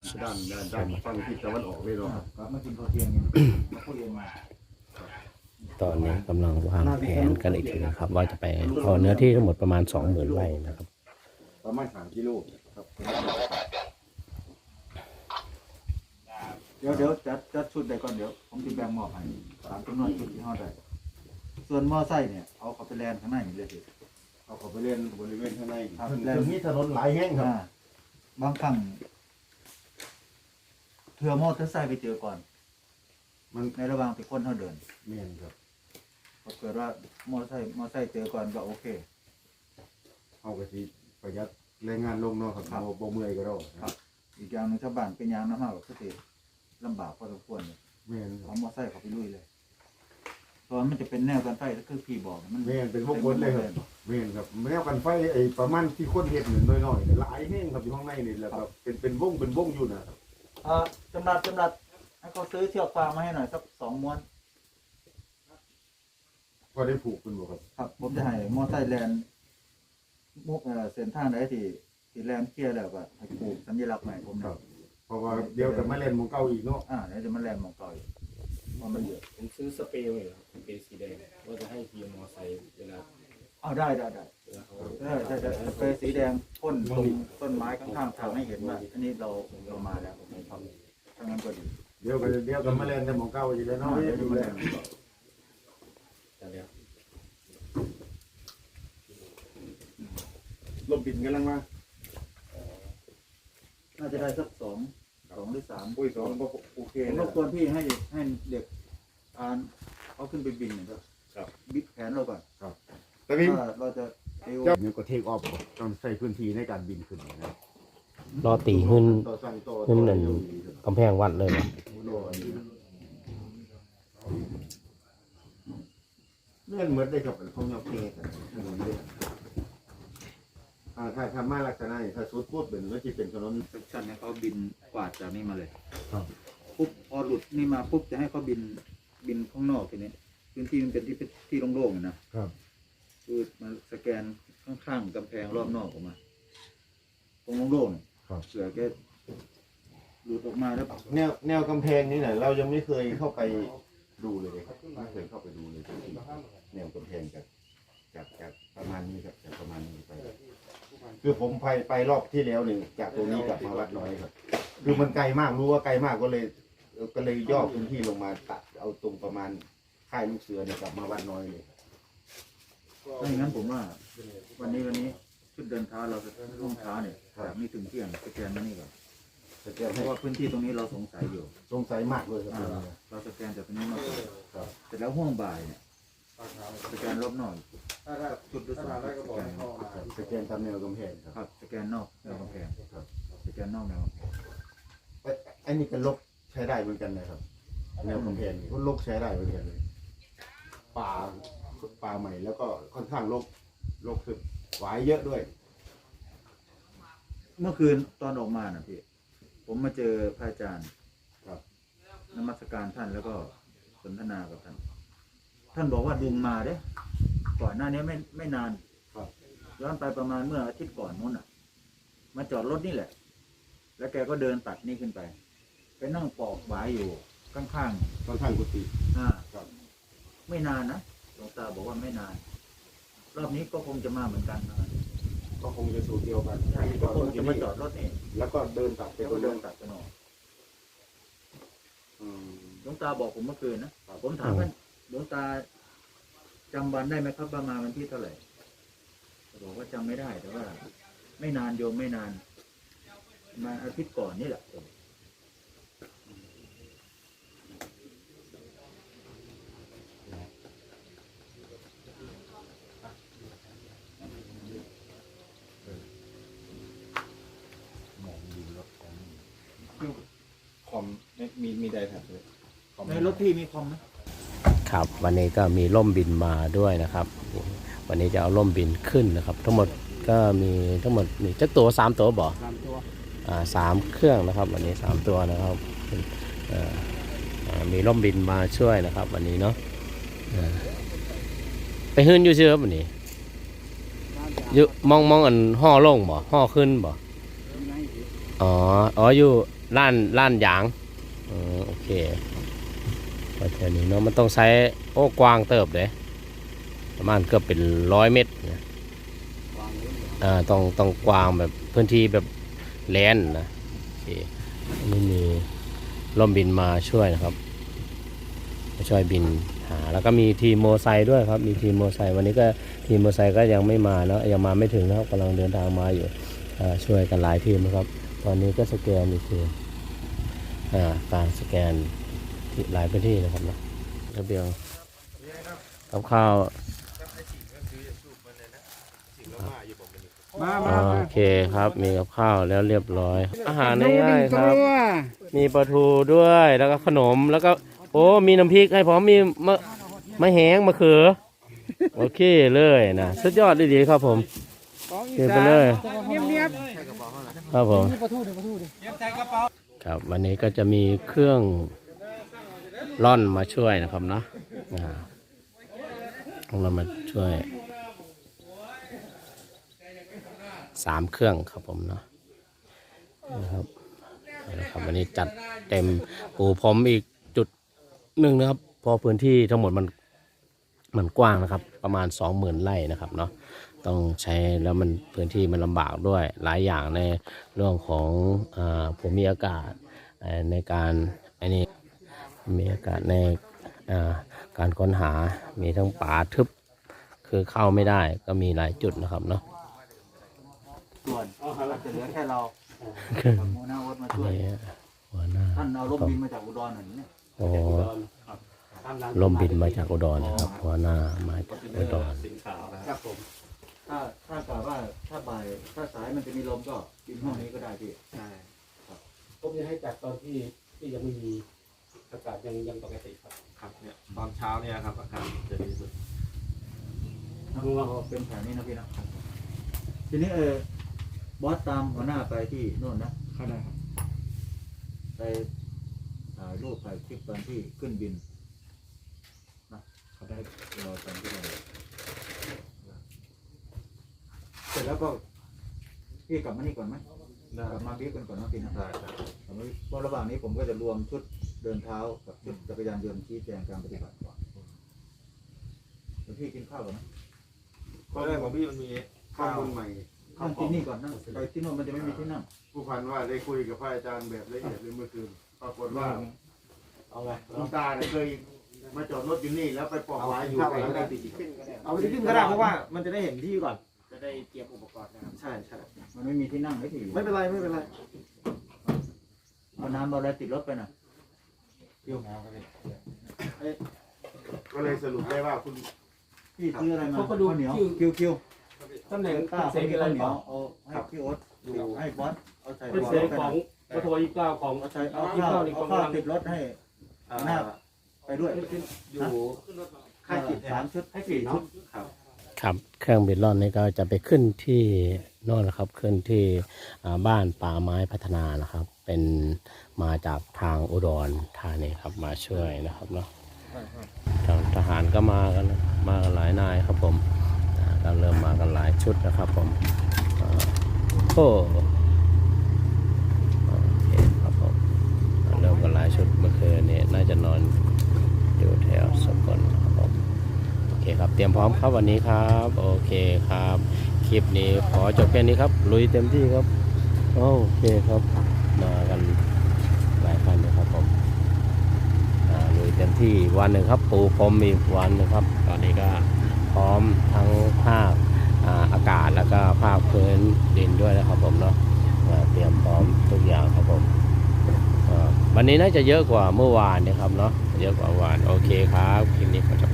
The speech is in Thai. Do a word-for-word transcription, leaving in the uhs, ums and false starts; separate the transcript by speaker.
Speaker 1: ด้านด้านด้านฝั่งทิศตะวันออกเลยเนาะครับ
Speaker 2: ก็มากินข้าวเที่ยงนี่มาคุยกันมา
Speaker 3: ตอนนี้กำลังวางแผนกันอีกทีนะครับ ว่าจะไปพอเนื้อที่ทั้งหมดประมาณสองหมื่นไร่นะครับ
Speaker 1: ประมาณสามกิโลครับ
Speaker 2: เดี๋ยวเดี๋ยวจัดจัดชุดใดก่อนเดี๋ยวผมจะแบ่งมอบให้ตามจำนวนชุดที่ห่อได้ส่วนมอไซค์เนี่ยเอาเขาไปแลนข้างในนี่เลยสิ
Speaker 1: เอาเขาไปเล่นบริเวณข้างใน
Speaker 2: ครับ
Speaker 1: ถึงมีถนนหลายแห่งครับ
Speaker 2: อ่าบางครั้งเถื่อมอเตอร์ไซค์ไปเจอก่อน
Speaker 1: มัน
Speaker 2: ในระหว่างที่คนเขาเดิน
Speaker 1: เมียนครับ
Speaker 2: พอเกิดว่ามอไซค์มอไซค์เจอก่อนก็โอเค
Speaker 1: เอากระสีประหยัดแรงงานลงเนาะครับ
Speaker 2: ครับ
Speaker 1: บ่บ่เมื่อยก็ได้
Speaker 2: ครับ อีกอย่างหนึงชาวบ้านเป็นยางน้ำห้ากับคือสิลำบากพอสมควรเลย
Speaker 1: เมียนค
Speaker 2: เอา
Speaker 1: รับ
Speaker 2: มอไซค์เขาไปลุยเลยตอนมันจะเป็นแนวกันไฟก็คือพี่บอกมัน
Speaker 1: เมียนเป็นพวกคนเลยครับเมียนครับแนวกันไฟไอ้ประมาณที่คนเห็ดหนึ่งน้อยๆเนี่ยหลายแห่งครับอยู่ข้างในนี่แหละครับเป็นเป็นวงเป็นวงอยู่นะครับ
Speaker 2: เอ่อจำรัดจำรัดให้เขาซื้อเชือกฟางมาให้หน่อยสักสองม้วน
Speaker 1: ก็ได้ผูกเป็นบ่ครับ
Speaker 2: ครับผมจะให้มอไซค์แลนมุกเอ่อเส้นทางไหนที่ที่แลนเคลียร์แล้วก็ให้ปลูกสัญลักษณ์ใหม่ผม
Speaker 1: ครั
Speaker 2: นะ
Speaker 1: บ เพราะว่าเดี๋ยวจะมาเล่นหมองเก่าอีกเนาะ
Speaker 2: อ่าเดี๋ยวจะมาแลนหมองเก่าอีกเพราะมันเยอะ
Speaker 4: ผมซื้อสเปรย์ไว้ครับสเปรย์สีแดงว่าจะให้ทีมมอไซค์เวลา
Speaker 2: เอาได้ได้ได้
Speaker 4: เวลาเขา
Speaker 2: ได้ได้ได้สเปรย์สีแดงพ่นตรงต้นไม้ข้างๆทางให้เห็นว่าอันนี้เราเรามาแล้วครับถ้างั้นก็ดี
Speaker 1: เดี๋ยวก็เดี๋ยวก็มาเล่นในหมองเก่าอีกแล้ว
Speaker 2: อ่า
Speaker 1: เนาะ
Speaker 2: เดี๋ยวจะมาแลน
Speaker 4: แต่เดียว
Speaker 1: ลมบินกำลังมา
Speaker 2: น่าจะได้สักสองสองหรือสาม
Speaker 1: ปุ้ยสองก็โอเค
Speaker 2: ผม
Speaker 1: แล้
Speaker 2: ร
Speaker 1: ว
Speaker 2: บกวนพี่ให้ให้เด็กอ่านเอาขึ้นไปบินหน่อยครับ
Speaker 4: ครับ
Speaker 2: บิดแขนเราก่อน
Speaker 1: แต่พี่
Speaker 2: ถ้าเราจะเอว
Speaker 1: เจ้าเนี่ยก็เทคออฟต้องใช้พื้นที่ในการบินขึ้นนะ
Speaker 3: รอตีขึ้น
Speaker 1: ต่อสั่งต่อ
Speaker 3: ขึ้นนั่นกำแพงวัดเลยเหรอ
Speaker 1: เลื่อนเหมือนได้กับเขายกเทกันถนนเลยอ่าถ้าทำมาลักษณะนี้ถ้าสุดพูดเป็นก็จะเป็นถนน
Speaker 2: เซกชันให้เขาบินกวาดจากนี่มาเลย
Speaker 1: ครับ
Speaker 2: ปุ๊บพอหลุดนี่มาปุ๊บจะให้เขาบินบินข้างนอกทีนี้พื้นที่มันเป็นที่ที่โล่งๆอยู่นะครับ คือมาสแกนข้างๆกำแพงรอบนอกออกมา ตรงโล่งๆเนี่ย
Speaker 1: ครับ
Speaker 2: เสือแกหลุดออกมาแล้ว
Speaker 1: แนวแนวกำแพงนี้เนี่ยเรายังไม่เคยเข้าไปดูเลยครับไม่เคยเข้าไปดูเลยแนวกำแพงจากจากจากประมาณนี้ครับจากประมาณนี้ไป คือผมไปไปรอบที่แล้วหนึ่งจากตรงนี้กลับมาวัดน้อยครับ คือมันไกลมากรู้ว่าไกลมากก็เลยเอ่อก็เลยย่อพื้นที่ลงมาตัดเอาตรงประมาณค่ายลูกเสือเนี่ยกลับมาวัดน้อยเลย
Speaker 2: ถ้าอย่างนั้นผมว่า วันนี้วันนี้ชุดเดินเท้าเราจะร่วงเท้าเนี่ย
Speaker 1: ครับ
Speaker 2: จากนี้ถึงเที่ยงสแกนมานี่ก่อน
Speaker 1: สแกน
Speaker 2: เพ
Speaker 1: ให้
Speaker 2: ราะว่าพื้นที่ตรงนี้เราสงสัยอยู่
Speaker 1: สงสัยมากเลยครับ
Speaker 2: อ่าเราสแกนจากตรงนี้มาก่อน
Speaker 1: ครับ
Speaker 2: เสร็จแล้วห่วงบ่ายเนี่ยสแกนรอบนอกชุดหรือสองชุดสแกน
Speaker 1: ครับสแกนตามแนวกำแพงครับ
Speaker 2: ครับสแกนนอกแนวกำแพง
Speaker 1: ครับ
Speaker 2: สแกนนอกแนวกำแพง
Speaker 1: ไอ้ไอ้นี่เป็นลกใช้ได้เหมือนกันนะครับ แนวกำแพงนี่ก็ลกใช้ได้เหมือนกันเลยป่าป่าใหม่แล้วก็ค่อนข้างลกลกคือหวายเยอะด้วย
Speaker 2: เมื่อคืนตอนออกมาน่ะพี่ผมมาเจอพระอาจารย์
Speaker 1: ครับ
Speaker 2: นมัสการท่านแล้วก็สนทนากับท่าน ท่านบอกว่าดึงมาเด้ก่อนหน้านี้ไม่ไม่นาน
Speaker 1: ครับ
Speaker 2: ย้อนไปประมาณเมื่ออาทิตย์ก่อนนู้นอ่ะ มาจอดรถนี่แหละ แล้วแกก็เดินตัดนี่ขึ้นไปไปนั่งปอกหวายอยู่ข้าง
Speaker 1: ค่อนข้างกุฏิ
Speaker 2: ๆอ่า
Speaker 1: ครับ
Speaker 2: ไม่นานนะหลวงตาบอกว่าไม่นาน รอบนี้ก็คงจะมาเหมือนกันนะ
Speaker 1: ก็คงจะสูตรเดียวกัน
Speaker 2: ใช่ก็คงจะมาจอดรถนี่
Speaker 1: แล้วก็เดินตัดไป
Speaker 2: แล้ว
Speaker 1: ตร
Speaker 2: ก็
Speaker 1: ง
Speaker 2: เดิ
Speaker 1: นั้น น
Speaker 2: ตัดกันออก
Speaker 1: อืม
Speaker 2: หลวงตาบอกผมเมื่อคืนนะผมถามว่าหลวงตาจำวันได้ไหมครับว่ามาวันที่เท่าไหร่บอกว่าจำไม่ได้แต่ว่า ไม่นานโยมไม่นาน มาอาทิตย์ก่อนนี่แหละ
Speaker 4: คอมมีมีไดแท็บเลยคอม
Speaker 2: ในรถพี่มีคอมไหม
Speaker 3: ครับ วันนี้ก็มีร่มบินมาด้วยนะครับ วันนี้จะเอาร่มบินขึ้นนะครับ ทั้งหมดก็มีทั้งหมดมีจักตัวสามตัวบ่
Speaker 4: สามตัว
Speaker 3: อ่าสามเครื่องนะครับ วันนี้สามตัวนะครับเอ่ออ่ามีร่มบินมาช่วยนะครับ วันนี้เนาะเอ่อไปขึ้นอยู่เชื่อวันนี้อยู่มองมองอันห่อลงบ่ห่อขึ้นบ่อ๋ออ๋ออยู่ล้านล้านยางอืมโอเคไปแถวนี้เนาะมันต้องใช้โอ้กว้างเติบเลยประมาณเกือบเป็นร้อยเมตรเนี่ยอ่าต้องต้องกว้างแบบพื้นที่แบบแลนนะโอเคอันนี้มีร่มบินมาช่วยนะครับมาช่วยบินหาแล้วก็มีทีมโมไซค์ด้วยครับมีทีมโมไซค์วันนี้ก็ทีมโมไซค์ก็ยังไม่มาเนาะยังมาไม่ถึงนะครับกำลังเดินทางมาอยู่ช่วยกันหลายทีมนะครับตอนนี้ก็สแกนอีกทีการสแกนที่หลายพื้นที่นะครับนะระเบียงกับข้าวโอเคครับมีกับข้าวแล้วเรียบร้อย อาหารง่ายๆครับมีปลาทูด้วยแล้วก็ขนมแล้วก็โอ้มีน้ำพริกให้พร้อมมีมะมะแห้งมะเขือโอเคเลยนะสุดยอดดีๆครับผมเก็บไปเลยครับผมครับวันนี้ก็จะมีเครื่องร่อนมาช่วยนะครับเนาะเรามาช่วยสามเครื่องครับผมเนาะนะครับนะครับวันนี้จัดเต็มปูพร้อมอีกจุดหนึ่งนะครับพอพื้นที่ทั้งหมดมันมันกว้างนะครับประมาณสองหมื่นไร่นะครับเนาะต้องใช้แล้วมันพื้นที่มันลำบากด้วยหลายอย่างในเรื่องของอ่าภูมิอากาศในการอันนี้มีอากาศในอ่าการค้นหามีทั้งป่าทึบคือเข้าไม่ได้ก็มีหลายจุดนะครับเนาะ
Speaker 2: ส่วนจะเหลือแค่เราหัวหน้าวัดมาช่วยท่านเอาลมบินมาจากอุดรหน่อยเนี่ย
Speaker 3: โอ้ลมบินมาจากอุดรนะครับหัวหน้ามาจากอุดร
Speaker 2: ครับผมถ้าถ้ากล่าวว่าถ้าบ่ายถ้าสายมันจะมีลมก็บินห้องนี้ก็ได้พี่ใช่
Speaker 4: ครับผมจะให้จัดตอนที่ที่ยังไม่มีอากาศยังยังปกติครับครับเนี่ยตอนเช้าเนี่ยครับอากาศจะดีสุด
Speaker 2: รู้ว่าเป็นแผนนี้นะพี่นะทีนี้เออบอสตามหัวหน้าไปที่โน่นนะ
Speaker 4: เข้าได้ครับ
Speaker 2: ไปถ่ายรูปถ่ายคลิปตอนที่ขึ้นบินนะเขาได้รอตอนที่เราเสร็จแล้วก็พี่กลับมานี่ก่อนไหมกลับมาบีบกันก่อนนะพี่นะได้ครับเพราะระหว่างนี้ผมก็จะรวมชุดเดินเท้ากับชุดจักรยานยนต์ชี้แจงการปฏิบัติก่อนเดี๋ยวพี่กินข้าวก่อนนะ
Speaker 1: ข้อแรกของพี่มันมีข้อมูลใหม่
Speaker 2: นั่งที่นี่ก่อนนั่งไปที่โน่นมันจะไม่มีที่นั่ง
Speaker 1: ผู้พันว่าได้คุยกับพระอาจารย์แบบละเอียดเลยเมื่อคืนปรากฏว่า
Speaker 4: เอาไง
Speaker 1: คุณตาเนี่ยเคยมาจอดรถอยู่นี่แล้วไปปอกไว้อยู่ไป
Speaker 4: ได้เอาไปขึ้นก็ได้เพราะว่ามันจะได้เห็นที่ก่อนจะได้เตรียมอุปกรณ์นะครับใช่ใช่
Speaker 2: มันไม่มีที่นั่งไม่ถี่
Speaker 4: ไม่เป็นไรไม่เป็นไร
Speaker 2: เอาน้ำเอาอะไรติดรถไปน่ะ
Speaker 1: เที่ยวน้ำก็เลยสรุปได้ว่าคุณ
Speaker 2: พี่ซื้ออะไรมาข้าวเหนียวคิวคิว
Speaker 4: ตำแหน่ง
Speaker 2: ข้าวเหนียวข้าวเหนียวเอาให้พี่โอ๊ตอยู่ให้บอสเอาใส่
Speaker 4: เป็นเสียงของกระโถยี่เก้าของ
Speaker 2: เอาใส่เอาข้าวเอาข้าวติดรถให้หน้าไปด้วย
Speaker 4: อยู่
Speaker 2: ค่าติดสามชุดให้สี่ชุด
Speaker 3: ครับครับเครื่องบินร่อนนี่ก็จะไปขึ้นที่โน่นนะครับขึ้นที่บ้านป่าไม้พัฒนานะครับเป็นมาจากทางอุดรธานีครับมาช่วยนะครับเนาะทหารก็มากันมากันหลายนายครับผมก็เริ่มมากันหลายชุดนะครับผมโอ้โอเคครับผมเริ่มกันหลายชุดเมื่อคืนนี้น่าจะนอนอยู่แถวสกลครับผมโอเคครับเตรียมพร้อมครับวันนี้ครับโอเคครับคลิปนี้ขอจบแค่นี้ครับลุยเต็มที่ครับโอเคครับมากันหลายคันเลยครับผมลุยเต็มที่วันหนึ่งครับปูพรมอีกวันนึงครับตอนนี้ก็พร้อมทั้งภาคอากาศแล้วก็ภาคพื้นดินด้วยนะครับผมเนาะเตรียมพร้อมทุกอย่างครับผมวันนี้น่าจะเยอะกว่าเมื่อวานนะครับเนาะเยอะกว่าวันโอเคครับคลิปนี้ขอจบ